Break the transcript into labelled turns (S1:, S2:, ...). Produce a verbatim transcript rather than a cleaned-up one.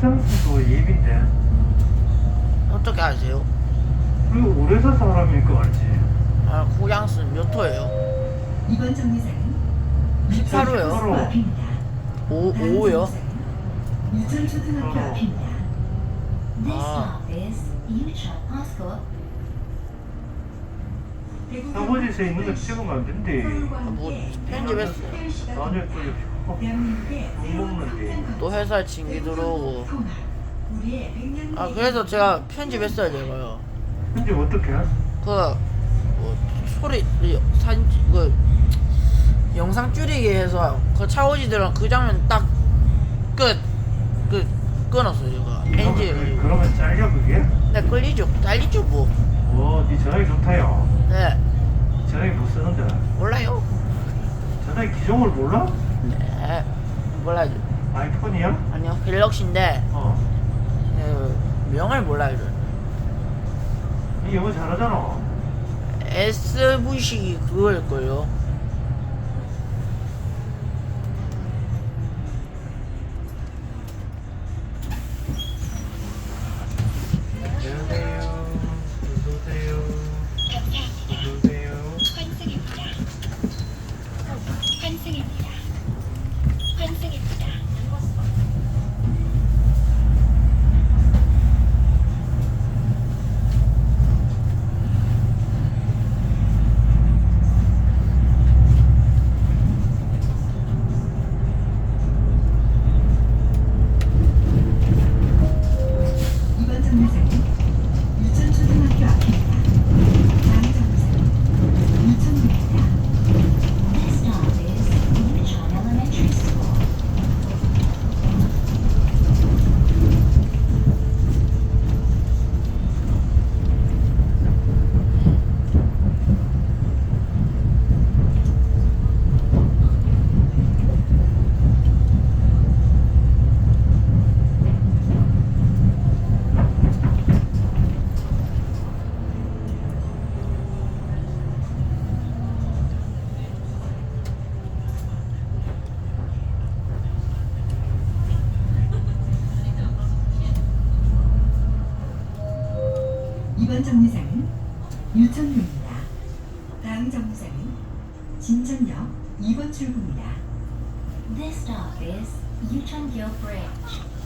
S1: 장수도 예비인데.
S2: 어떻게 아세요?
S1: 그리고 오래사 사람이니까 알지.
S2: 아, 고양스 몇 호예요?
S3: 이번 정류장은
S2: 십팔 호요.
S3: 유천초등학교 앞입니다.
S2: 오,
S3: 다음
S2: 오 호요?
S3: 정류장은 유천초등학교
S1: 어.
S3: 앞입니다. This
S2: 아.
S3: stop is Yucheon High School.
S1: 서버지에 있는 거 찍으면 안 된대.
S2: 뭐 편집했어.
S1: 나중에 또 못 먹는데.
S2: 또 회사에 징계 들어오고. 아, 그래서 제가 편집했어야 돼요.
S1: 근데 어떻게?
S2: 그, 뭐, 소리, 이 사진, 찍- 그, 영상 줄이기 해서 그 차오지들은 그 장면 딱 끝! 그, 끊었어요, 제가. 편집.
S1: 그러면 잘려 그게?
S2: 네, 끌리죠. 잘리죠, 뭐.
S1: 오, 네 전화기 좋다요.
S2: 네,
S1: 전화기 못 쓰는데.
S2: 몰라요.
S1: 전화기 기종을 몰라?
S2: 네, 몰라요.
S1: 아이폰이야?
S2: 아니요, 갤럭시인데,
S1: 어.
S2: 그, 명을 몰라요.
S1: 니 영어 잘하잖아.
S2: 에스브이씨 그거일걸요.
S1: 안녕하세요. 어서오세요. 어서오세요.
S4: 환승입니다. 환승입니다. 환승입니다.
S3: 이번 정류장은 유천초등학교 앞입니다. 다음 정류장은 유천구입니다.
S4: This stop is Yucheon Elementary School.
S3: 이번 정류장은 유천구입니다. 다음 정류장은 진천역 이 번 출구입니다.
S4: This stop is Yucheon-gyo Bridge.